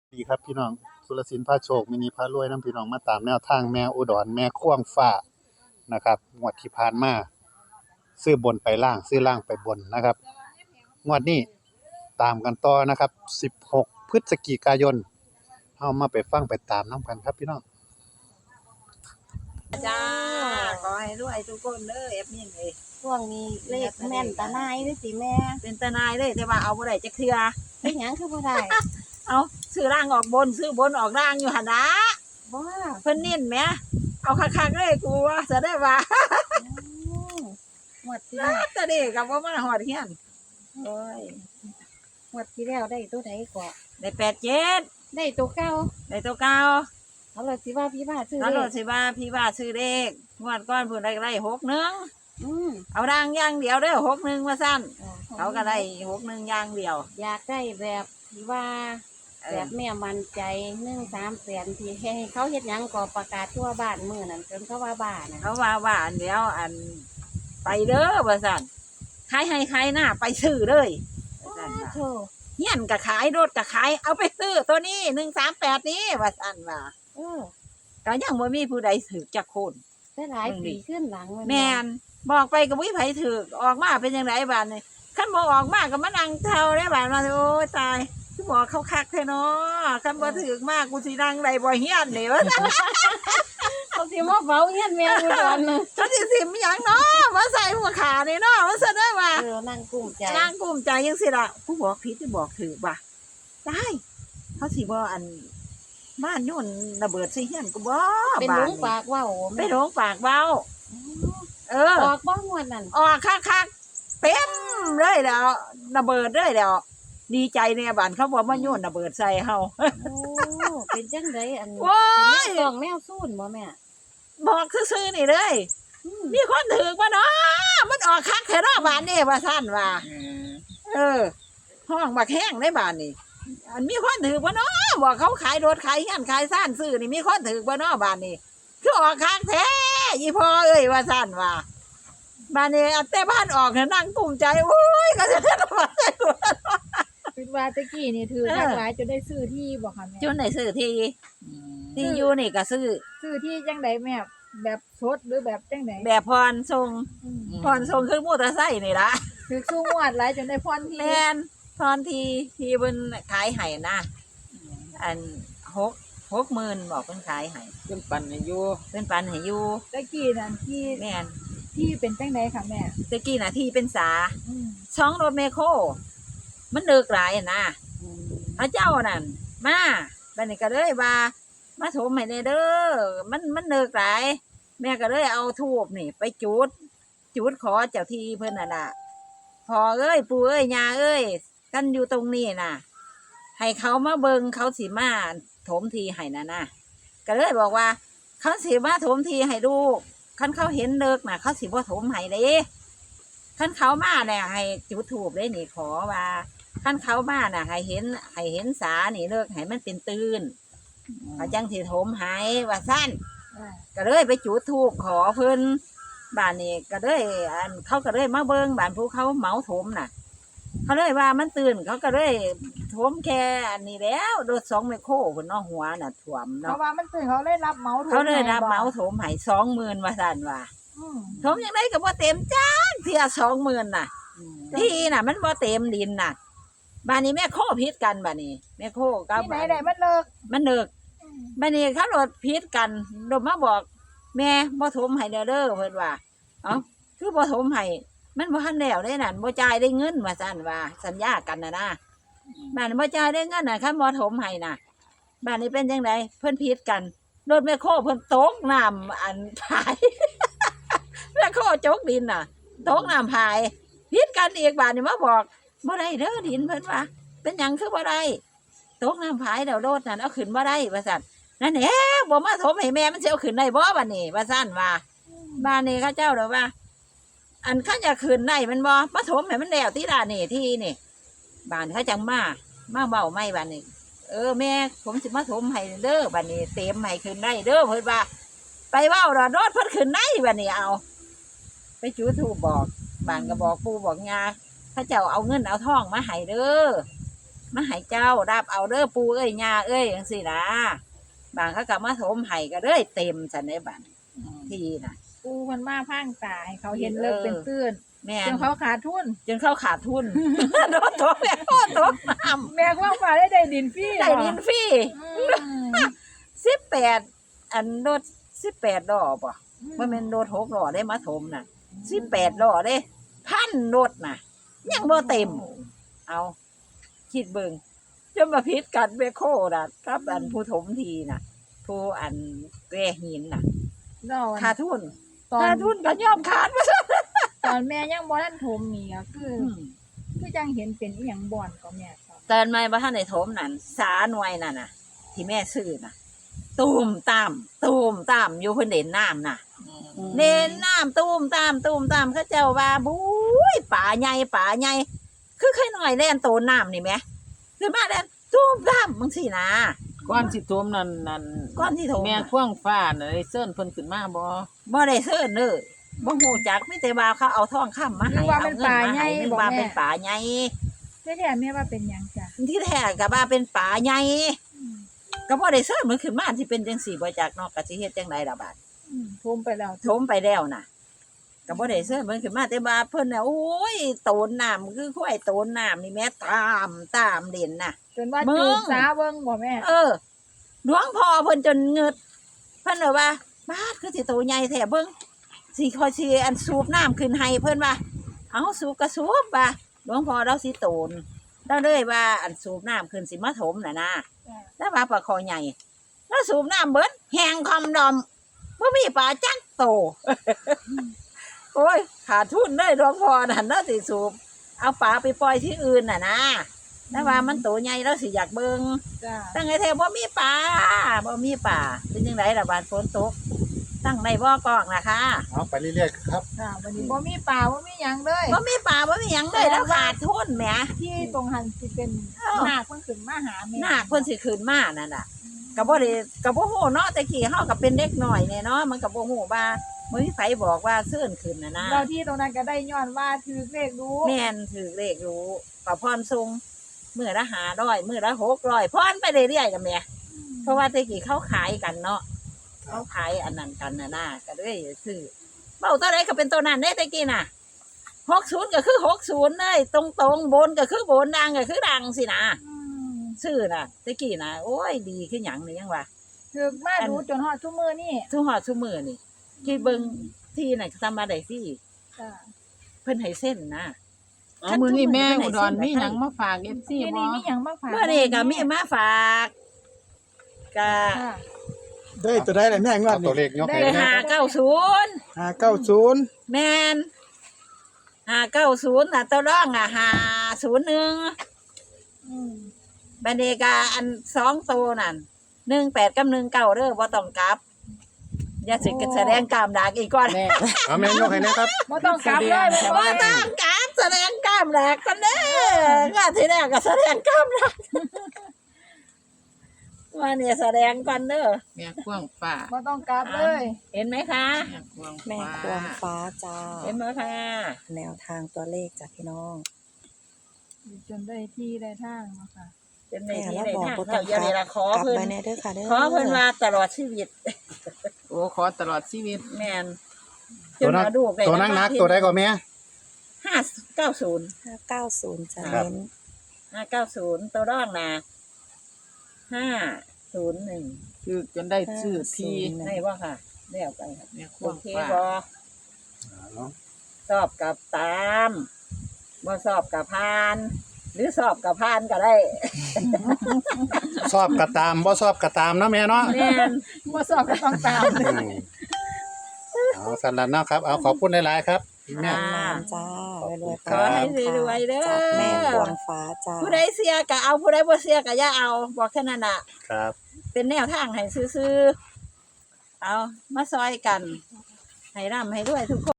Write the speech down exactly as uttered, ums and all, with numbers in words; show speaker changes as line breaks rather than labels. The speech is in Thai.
ดีครับพี่น้องสุรศิลป์พาโชคมินิพารวยนํพี่น้องมาตามแนวทางแม่อุดรแม่ข่วงฟ้านะครับงวดที่ผ่านมาซื้อบนไปล่างซื้อล่างไปบนนะครับงวดนี้ตามกันต่อนะครับสิบหกพฤศจิกายนเฮามาไปฟังไปตามนํกันครับพี่น้อง
จ้าขอให้รวยทุกคนเด้อเอฟนี่เอ้ย
ช่วงนี้เลขแม่นตาหนายเด้อสิแม่
เป็นตาหนายเด้อแต่ว่าเอาบ่ได้จักเทื่อ
เป็นหยังคือบ่ได้
เอาซื้อร่างออกบนซื้อบนออกร่างอยู่หั่นนะ
บ่
เพิ่นนิ่นแหมเอาคักๆเลยกูว่าจะได้ว่า
หมดที่แล้ว
แต่เด็กก็บ่มาฮอดเฮียน
โอ้ยหมดที่แล้วได้ตัวใดก่อ
ได้แปดเจ็ด
ได้ตัวเก่า
ได้ตัวเก่า
เขาเลยสิว่าพี่บ้าซื้อ
แล้ว
เล
โล
ข
ดสิว่าพี่ว่าซื้อเลขงวดก่อนเพิ่นได้ได้หกหนึ่ง
อืม
เอาร่างอย่างเดียวเด้อหกหนึ่งว่าซั่น
อ่
เขาก็ได้หกหนึ่งอย่างเดียว
อยากได้แบบที่ว่า
เอ
แบ
อบ
แม่มั่นใจหนึ่งสามแสนที่ให้เขาเฮ็ดหยังก็ประกาศทั่วบ้านมื้อนั้นจนเขาว่าบ้าน่ะ
เขาว่าว่าอันเดียวอันไปเด้อว่าซั่นขายให้ขายหน้าไปซื้อเลยว่าซั่นว่า
โธ่
เฮียนก็ขายรถก็ขายเอาไปซื้อตัวนี้หนึ่งสามแปดนี้ว่าซั่นว่า
เออ
ก็ยังบ่มีผู้ใดถือจักคน
ได้หลาย
เบิ่งดิ
ปีขึ้นหลังมัน
แม่นบอกไปก็บ่มีไผถือออกมาเป็นจังไดบาดนี้คันบ่ออกมาก็มานั่งเท่าได้บาดมาโอ้ยตายคือบอกเขาคักแท้เนาะคันบ่ถือมากกูสินั่งได้บ่เฮียนนี่ว่าซั่น
เขาสิมาเฝ้าเฮียนแม่อุดรน่ะ
เขาสิสิมหยังเนาะมาใส่หัวขานี่เนาะว่าซั่นได้ว่า
เออนั่งกุ้มใจ
นางกลุ้มใจยังสิล่ะผู้บอกผิดที่บอกถือบ่ะได้เขาสิบ่อันบ้านโยุ่นระเบิดสิเฮียนก็บ่
เป็น
บ้า
หล
น
งปากเว้า
ไป
แม่
โรงปากเบาเออ
ออกบ้างวันนั้น
ออกคักๆเต็มเลยแล้วระเบิดเลยแล้วดีใจเนี่ยบ้านเขาบอกว่าโยุ่นระเบิดใส่เฮา
โอ้เป็นจังไดอัน
โอ้ย
เป็นแนวกล่องแนวซูนบ่แม่
บอกซื่อๆนี่เลย
อืม
มีคนถือว่าเนาะมันออกคักแท้เนาะบ้านนี่ว่าซั่นว่า เออห้องบักแห้งในบ้านนี่อันมีคนถือว่าเนาะบอกเขาขายรถขายเฮียนขายซ่านซื้อนี่มีคนถือว่าเนาะบ้านนี่คือออกข้างแท้ยี่พ่อเอ้ยว่าซ่านว่าบ้านนี้อันแต่บ้านออกเนี่ยนั่งกลุ้มใจโอ้ยก็จะได้มาใส่หัว
คิดว่าตะกี้นี่ถือ
เออ
ทักหลายจนได้ซื้อที่บ่ค่ะแม่
จนไหนซื้อทีที่อยู่นี่ก็ซื้อ
ซื้อที่จังไดแม่แบบสดหรือแบบจังได
แบบพรทรง
อืม
พรทรงขึ้นมอเตอร์ไซค์นี่ละ
ถือสู้งวดหลายจนได้พรที่
แมนพรทีทีเพิ่นขายให้นะอันหกหกหมื่นบอกเพิ่นขายให้
เป็นปันให้อยู่
เพิ่นปันให้อยู่
ตะกี้นั่นที่
แม่น
ที่เป็นจังไดค่ะแม่
ตะกี้น่ะที่เป็นสา
อืม
ช่องรถเมโครมันเลิกหลายอะนะพระเจ้านั่นมาบัดนี้ก็เลยว่ามาโถมให้แน่เด้อมันมันเลิกหลาย แม่ก็เลยเอาทูบนี่ ไปจุด จุดขอเจ้าที่เพิ่นน่ะน่ะพอเอ้ยปู่เอ้ยย่าเอ้ยกันอยู่ตรงนี้น่ะ ให้เขามาเบิงเขาสิมาถมทีให้น่ะนะก็เลยบอกว่า เขาสิมาถมทีให้ลูกคันเขาเห็นเลิกน่ะ เขาสิบ่ถมให้เด้คันเขามาเนี่ยให้จุดถูบได้นี่ขอว่าคันเขามาน่ะ ให้เห็นให้เห็นสานี่เลิกให้มันเป็นตื่นเขาจังสิถมให้ว่าสั้น
อ่า
ก็เลยไปจุดทูบขอเพิ่นบ้านนี้ก็เลยอันเขาก็เลยมาเบิ่งบ้านผู้เขาเหมาถมน่ะ เขาเลยว่ามันตื่นเขาก็เลยถมแค่อันนี้แล้วรถสองไมโครเพิ่นเนาะหัวน่ะถ่วม
เพ
เนาะ
ราะว่ามันตื่นเขาเลยรับเหมาถูก
เขาเลยรับ
ให้บ่
เหมาถมให้สองหมื่นว่าซั่นว่า
อืม
ถมยังไงก็บ่เต็มจ้างเที่ยสองหมื่นน่ะ ที่น่ะ มันบ่เต็มดินน่ะบ้านนี้แม่โคพิษกันบ้านนี้แม่โคกับ
ที่ไหนได้มันเลิก
มันเลิก
อืม
บ้านนี้เขารถพิษกันโดมมาบอก แม่บ่ถมให้เด้อเด้อเพิ่นว่าเอ้าคือบ่ถมให้มันบ่ทันแล้วได้นั่นบ่จ่ายได้เงินว่าซั่นว่า สัญญากันน่ะนะบ้านนี้บ่จ่ายได้เงินน่ะคันบ่ถมให้น่ะบ้านนี้เป็นจังไดเพิ่นพิษกันรถแม่โคเพิ่นตกน้ำอันพาย แม่โคจกดินน่ะตกน้ำพายพิษกันอีกบ้านนี้มาบอกบ่ได้เด้อดินเพิ่นว่าเป็นหยังคือบ่ได้ตกน้ำพายแล้วรถนั่นเอาขึ้นบ่ได้ว่าซั่นนั่นแหละบ่มาถมให้แม่มันสิเอาขึ้นได้บ่บัดนี้ว่าซั่นว่า บ้านนี้เข้าเจ้าเด้อว่า อันข้าจะขึ้นได้มันบ่มาถมให้มันแล้วที่ร้านนี่ที่นี่บ้านเขาจังมามาเบาไม่บ้านนี้ เออแม่ผมสิมาถมให้เด้อบ้านนี้เต็มให้ขึ้นได้เด้อเพิ่นว่า ไปเว้ารอดรถเพิ่นขึ้นได้บ้านนี้เอา ไปจุดธูปบอกบ้านก็บอกปู่บอกย่าเข้าเจ้าเอาเงินเอาทองมาให้เด้อมาให้เจ้ารับเอาเด้อปู่เอ้ยย่าเอ้ยจังซี่นะบางเขาก็มาถมให้ก็เลยเต็มซั่นในบัดทีน่ะ
ปูมันมาพังตาให้เขาเห็นเลิกเป็นตื้น
แม่
จ
น
นเขาขาดทุน
จนเข้าขาดทุน โดนตกแม่โคตรตกน้ำ
แม่ว่าฟ้าได้ได้ดินฟรี
ได้ดินฟรี
อืม
สิบแปดอันรถสิบแปดล้อป่ะมันเป็นรถหกล้อได้มาถมน่ะสิบแปดล้อเด้พันรถน่ะ ยังบ่เต็ม เอาคิดเบิ่งจนมาพิษกันเบโคน่ะกับอันผู้ถมทีน่ะ ผู้อันแก่หินน่ะ
นอน
ขาดทุน
ตอน
ขาดทุนก็ยอมขาดมาซะ
ตอนแม่ยังบ่ทันถมนี่ก็คืออคือจังเห็นเป็นอีหยังบ่อนก็แม่ครับ
เตือนไม่บ่ทันได้ถมนั่นสาหน่วยนั่นน่ะ ที่แม่ซื้อน่ะ ตูมตามตูมตามอยู่เพิ่นเด่นน้ำน่ะ เด่นน้ำตูมตามตูมตามเขาเจ้าว่าบุ้ยป่าใหญ่ป่าใหญ่คือค่อยหน่อยแล่นโตนน้ำนี่แหมคือมาแล่นตูมตามมึงสินะ
ก้อนสิโทมนั่นนั่น
ก้อนที่โถม
แม่
น่ะ
ข่วงฟ้าน่ะได้เซิ้นเพิ่นขึ้นมาบ่
บ่ได้เซิ้นเด้อบ่ฮู้จักมีแต่ว่าเขาเอาทองคำมาให้
นึกว่าเป็นป่าใหญ่
นึก
บ่
ว่า
แม่
เป็นป่าใหญ่
แท้ๆแม่ว่าเป็นหยังจ้ะ
ที่แท้ก็ว่าเป็นป่าใหญ่ก็บ่ได้เซิ้นมันขึ้นมาสิเป็นจังซี่บ่จักเนาะก็สิเฮ็ดจังไดล่ะบาด
อืมถมไปแล้ว
ถมไปแล้วน่ะก็บ่ได้เสื้อมันขึ้นมาแต่ว่าเพิ่นน่ะโอ้ยโตนน้ำคือควายโตนน้ำนี่แม่ตามตามเด่นน่ะ
จนว่า
มึง
จูบสาเบิ่งบ่แม่
เออหลวงพ่อเพิ่นจนเงึดเพิ่นเลยว่าบาดคือสิโตใหญ่แท้เบิ่งสิคอยสิอันสูบน้ำขึ้นให้เพิ่นว่าเอาสูบก็สูบว่าหลวงพ่อเราสิโตนเราเลยว่าอันสูบน้ำขึ้นสิมาถมน่ะนะแล้วว่าปลาคอใหญ่แล้วสูบน้ำเบิดแห้งคอมดอมบ่มีปลาจักโต โอ้ยขาดทุนเลยหลวงพ่อนั่นเนาะสิสูบเอาปลาไปปล่อยที่อื่นน่ะนะแต่ว่ามันโตใหญ่แล้วสิอยากเบิ่ง
จ้ะ
ตั้งไงแท้บ่มีปลาบ่มีปลาเป็นจังไดล่ะบาดฝนตกตั้งในบ่อกอกนะคะ
เอาไปเรื่อยๆครับ
ค่ะวันนี้บ่มีป่าบ่มีหยังเลย
บ่มีปลาบ่มีหยังเลยแล้วขาดทุนแหม
ที่ตรงหันสิเป็น
เอ้า
นาคเพิ่นขึ้นมาหาแม่
นาคเพิ่นสิขึ้นมานั่นน่ะก็บ่ได้ก็บ่ฮู้เนาะแต่กี้เฮาก็เป็นเด็กน้อยเนี่ยเนาะมันก็บ่ฮู้ว่าบ่มีไผบอกว่าเชิญขึ้นน่ะนะ
เราที่ตรงนั้นก็ได้ย้อนว่าถือเลขรู้
แม่นถือเลขรู้ก็พรทรงมื้อละห้าร้อยมื้อละหกร้อยพรไปเรื่อยๆกันแหม่เพราะว่าแต่กี้เขาขายกันเนาะเขาขายอันนั้นกันน่ะนะก็เลยซื้อเว้าตัวใดก็เป็นตัวนั้นเด้แต่กี้น่ะหกสิบก็คือหกสิบเลยตรงๆบนก็คือบนดังก็คือดังสินะ
อืม
ซื้อน่ะแต่กี้น่ะโอ้ยดีคือหยังนี่ยังว่า
ถือมาดูจนฮอดทุกมื้อนี่
ทุกหอดทุกมื้อนี่ที่เบิ่งที่น่ะทำมาได้สิ
จ้ะ
เพิ่นให้เส้นนะ
เอามื้อนี้แม่อุดรมีหยังมาฝาก เอฟ ซี
ที่
บ่
นี่มีหยังมาฝาก
เมื่อนี้ก็มีมาฝากก็
ค่ะ
ได้ตัวได้เลยแม่งว
เอา
ด
ตัวเล
นี่
ขยก
ได้
ให้นะ
ห้าเก้าศูนย์
ห้าเก้าศูนย์
แม่นห้าเก้าศูนย์น่ะตัวรองอ่ะห้าศูนย์หนึ่ง
อืม
บัดนี้ก็อันสองตัวนั่นหนึ่งแปดกับหนึ่งเก้าเด้อบ่ต้องกลับ อย่าสิแสดงกล้ามดากอีกก่อน
แม่
เอาแม่ยกให้นะครับ
บ่ต้องกลับเลยบ่
บ่ต้องกลับแสดงกล้ามดากกันเด้องานที่แรกก็แสดงกล้ามดากว่าเนี่ยแสดงก่อนเด้อ
แม่ข่วงฟ้า
บ่ต้องกลับเลย
เห็นไหมคะ
แม่ข่วง
แม่
ฟ้า
ควงฟ้าจ้า
เห็นไหมคะ
แนวทางตัวเลขจากพี่น้อง
จนได้ที่ได้ทางเนาะค่ะ
เป็นใน
แม่
ที่
แล้ว
ใน
บอก
ทาง
บ่ต้
เขา
อง
อย่าก เลย
ลั
ละ
บ
ขอก
ลับ
เพิ่น
ไปแน่เด้อค่ะเด้อ
ขอเพิ่นว่าตลอดชีวิต
โอ้ขอตลอดชีวิต
แม่น
ตัวนักตัวนักนักตัวใดก็แม่
ห้าเก้าศูนย์
ห้าเก้าศูนย์จะ
ครับ
เน้น
ห้าเก้าศูนย์ตัวร่องนะห้าศูนย์หนึ่ง
คือจนได้ชื่อที่
ได้ว่าค่ะได้เอาไปค่ะ
แม่ข่
โอ
วง
เค
ฟ้า
บอสอบกับตามบ่สอบกับพาน หรือสอบกับพานก็ได้
ชอบกระตามบ่ชอบกระตามเนาะแม่เนาะ
แม่น
บ่สอบก็ต้องตาม
อืมเอาสันลันเนาะครับ เอาขอบคุณหลายๆครับแม่
อ่า
นานจ้ารวยๆ
ขอให้รวยๆเด้อ
จากแม่ควงฟ้าจ้า
ผู้ใดเสียก็เอาผู้ใดบ่เสียก็อย่าเอาบอกแค่นั้นน่ะ
ครับ
เป็นแนวทางให้ซื่อๆเอามาซอยกัน ให้ร่ำให้รวยทุกคน